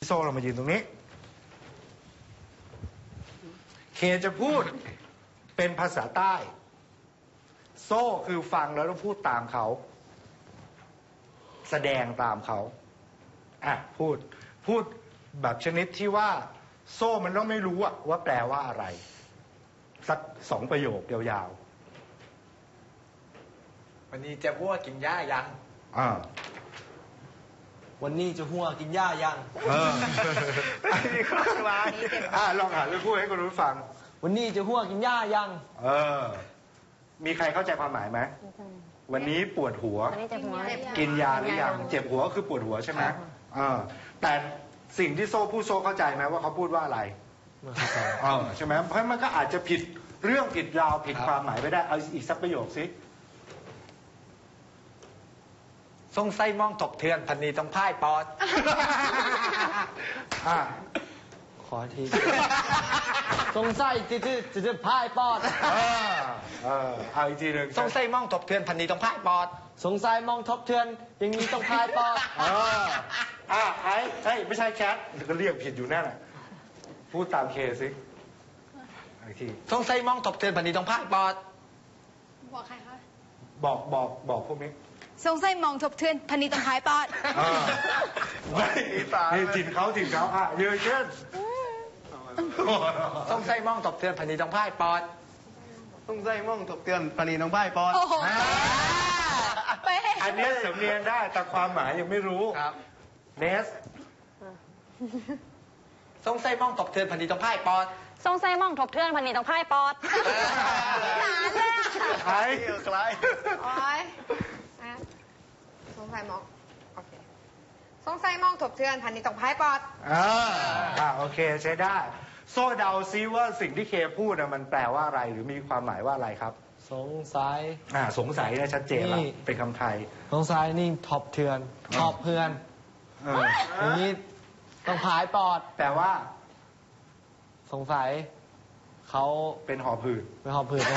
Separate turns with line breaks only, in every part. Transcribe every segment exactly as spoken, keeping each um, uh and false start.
โซ่เรามายืนตรงนี้เคจะพูดเป็นภาษาใต้โซ่คือฟังแล้วต้องพูดตามเขาแสดงตามเขาอ่ะพูดพูดแบบชนิดที่ว่าโซ่มันต้องไม่รู้อะว่าแปลว่าอะไรสักสองประโยคยาว
ๆวันนี้จะหัวกินหญ้ายัง
อ่า
วันนี้จะหัวกินหญ้ายัง
เอออันนี้ก็คล้ายอ่าลองอ่านแล้วพูดให้คนรู้ฟัง
วันนี้จะหัวกินหญ้ายัง
เออมีใครเข้าใจความหมายไหมวันนี้ปวดหัวกินยาหรือยังเจ็บหัวคือปวดหัวใช่ไหมเออแต่สิ่งที่โซ่พูดโซ่เข้าใจไหมว่าเขาพูดว่าอะไรเออใช่ไหมเพราะมันก็อาจจะผิดเรื่องผิดราวผิดความหมายไปได้เอาอีกสักประโยคสิ
ทรงไส้มองถกเทือนพันนีต้องพ่ายปอด
อ่า
ขอทีทรงไส้จืดจืดจืดพ่ายปอด
เออเออเอาอีกทีหนึ่ง
ทรงไส้มองถกเทือนพันนีต้องพ่ายปอด
สงสัยมองทบเทือนอย่างนี้ต้องพายปอด
เอออ่าไอ้ไอ้ไม่ใช่แคทก็เรียกผิดอยู่นั่นแหละพูดตามเคสิอีกที
ทรงไส้มองถกเทือนพันนีต้องพ่ายปอด
บอกใครคะ
บอกบอกบอกพวกนี้
ทรงไส้มองทบเทือนพันนีต้องพายปอด
ไม่ตาถิ่นเขาถิ่นเขาอ่ะเยอะเช่น
ทรงไส้มองถกเทือนพันนีต้องพ่ายปอด
ทรงไส้มองถบเทือนพันนีต้องพ่ายปอด
อันนี้สำเนียงได้แต่ความหมายยังไม่รู้
ครับ
เนส
ทรงไส้มองถกเทือนพันนีต้องพ่ายปอด
ทรงไส้มองทบเทือนพันนีต้องพ่ายปอดหลานเลย
ใครใคร
โอ้ยทรงไส้มองโอเคทรงไส้มองทบเทือนพันนีต้องพ่ายปอด
อ่าอ่าโอเคใช้ได้โซ่เดาซิว่าสิ่งที่เคพูดนะมันแปลว่าอะไรหรือมีความหมายว่าอะไรครับ
สงสัย
อ่าสงสัยนะชัดเจนแล้วเป็นคำไทย
สงสัยนี่ทบเทือนทบเพื่อนอย่างนี้ต้องผายปอด
แปลว่า
สงสัยเขา
เป็นหอบหืด
เป็นหอบหืด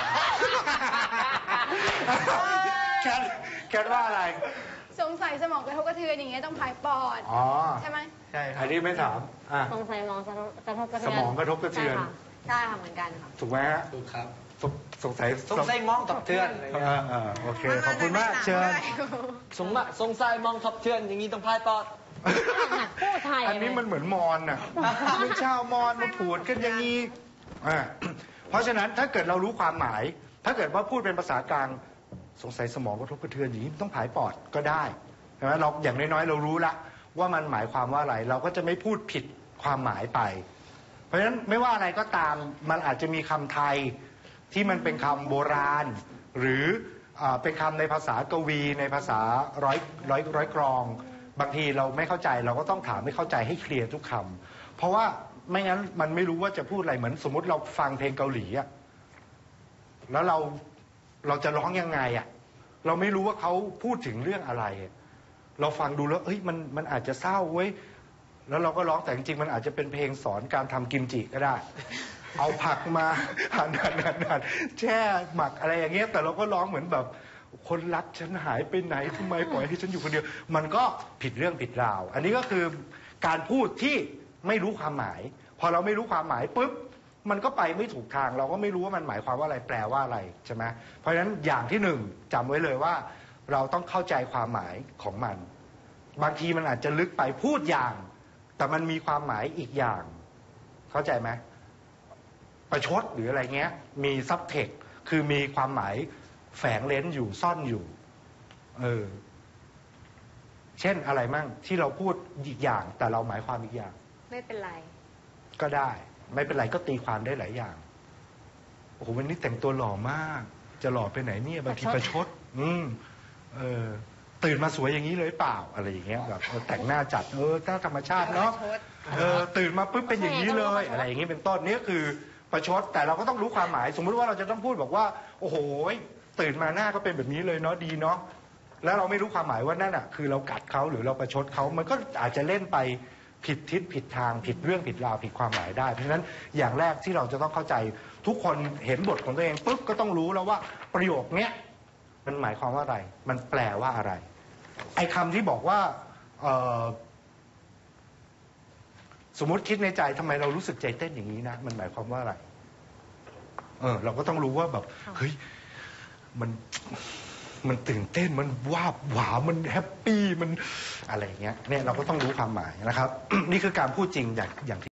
แคทแคทว่าอะไร
สงสัยสมองกระทบกระเทือนอย่างเงี้ยต้องผายปอด
อ๋อ
ใช่ไหม
ใช่อันนี้ไม่ถามอ่า
สงสัยสมองกระทบกระเทื
อนสมองกระทบกระเทือน
ใช่ค่ะเหมือนกันค่ะ
ถูกไหมฮะ
ถูกครับ
สงสัย
สงสัยมองถกเทือน
อ่าโอเคขอบคุณมากเชิญ
สงสงสัยมองทบเทือนอย่างนี้ต้องพายปอด
พูดไทย
อันนี้มันเหมือนมอญน่ะเป็นชาวมอญมาผูดกันอย่างนี้อ่าเพราะฉะนั้นถ้าเกิดเรารู้ความหมายถ้าเกิดว่าพูดเป็นภาษากลางสงสัยสมองกระทบกระเทือนอย่างนี้ต้องผายปอดก็ได้ใช่ไหมเราอย่างน้อยๆเรารู้ละว่ามันหมายความว่าอะไรเราก็จะไม่พูดผิดความหมายไปเพราะฉะนั้นไม่ว่าอะไรก็ตามมันอาจจะมีคำไทยที่มันเป็นคำโบราณหรือเป็นคำในภาษากวีในภาษาร้อยร้อยร้อยกรองบางทีเราไม่เข้าใจเราก็ต้องถามให้เข้าใจให้เคลียร์ทุกคำเพราะว่าไม่งั้นมันไม่รู้ว่าจะพูดอะไรเหมือนสมมติเราฟังเพลงเกาหลีอะแล้วเราเราจะร้องยังไงอะเราไม่รู้ว่าเขาพูดถึงเรื่องอะไรเราฟังดูแล้วเอ้ยมันมันอาจจะเศร้าเว้ยแล้วเราก็ร้องแต่จริงๆมันอาจจะเป็นเพลงสอนการทำกิมจิก็ได้เอาผักมาหั่นหั่นหั่นหั่นแช่หมักอะไรอย่างเงี้ยแต่เราก็ร้องเหมือนแบบคนรักฉันหายไปไหนทำไมปล่อยให้ฉันอยู่คนเดียวมันก็ผิดเรื่องผิดราวอันนี้ก็คือการพูดที่ไม่รู้ความหมายพอเราไม่รู้ความหมายปุ๊บมันก็ไปไม่ถูกทางเราก็ไม่รู้ว่ามันหมายความว่าอะไรแปลว่าอะไรใช่ไหมเพราะฉะนั้นอย่างที่หนึ่งจำไว้เลยว่าเราต้องเข้าใจความหมายของมันบางทีมันอาจจะลึกไปพูดอย่างแต่มันมีความหมายอีกอย่างเข้าใจไหมประชดหรืออะไรเงี้ยมีซับเทคคือมีความหมายแฝงเลนอยู่ซ่อนอยู่เออเช่นอะไรมั่งที่เราพูดอีกอย่างแต่เราหมายความอีกอย่าง
ไม่เป็นไร
ก็ได้ไม่เป็นไรก็ตีความได้หลายอย่างโอ้โหวันนี้แต่งตัวหล่อมากจะหล่อไปไหนเนี่ยบางทีประชดอืมเออตื่นมาสวยอย่างนี้เลยเปล่าอะไรอย่างเงี้ยแบบแต่งหน้าจัดเออหน้าธรรมชาติเนาะเออตื่นมาปุ๊บเป็นอย่างนี้เลยอะไรอย่างงี้เป็นต้นนี่คือประชดแต่เราก็ต้องรู้ความหมายสมมุติว่าเราจะต้องพูดบอกว่าโอ้โหตื่นมาหน้าก็เป็นแบบนี้เลยเนาะดีเนาะแล้วเราไม่รู้ความหมายว่านั่นอ่ะคือเรากัดเขาหรือเราประชดเขามันก็อาจจะเล่นไปผิดทิศผิดทางผิดเรื่องผิดราวผิดความหมายได้เพราะฉะนั้นอย่างแรกที่เราจะต้องเข้าใจทุกคนเห็นบทของตัวเองปุ๊บก็ต้องรู้แล้วว่าประโยคเนี้ยมันหมายความว่าอะไรมันแปลว่าอะไรไอ้คำที่บอกว่าสมมติคิดในใจทำไมเรารู้สึกใจเต้นอย่างนี้นะมันหมายความว่าอะไรเออเราก็ต้องรู้ว่าแบบเฮ้ยมันมันตื่นเต้นมันวาบหวามันแฮปปี้มันอะไรอย่างเงี้ยเนี่ยเราก็ต้องรู้ความหมายนะครับ นี่คือการพูดจริงอย่างอย่างที่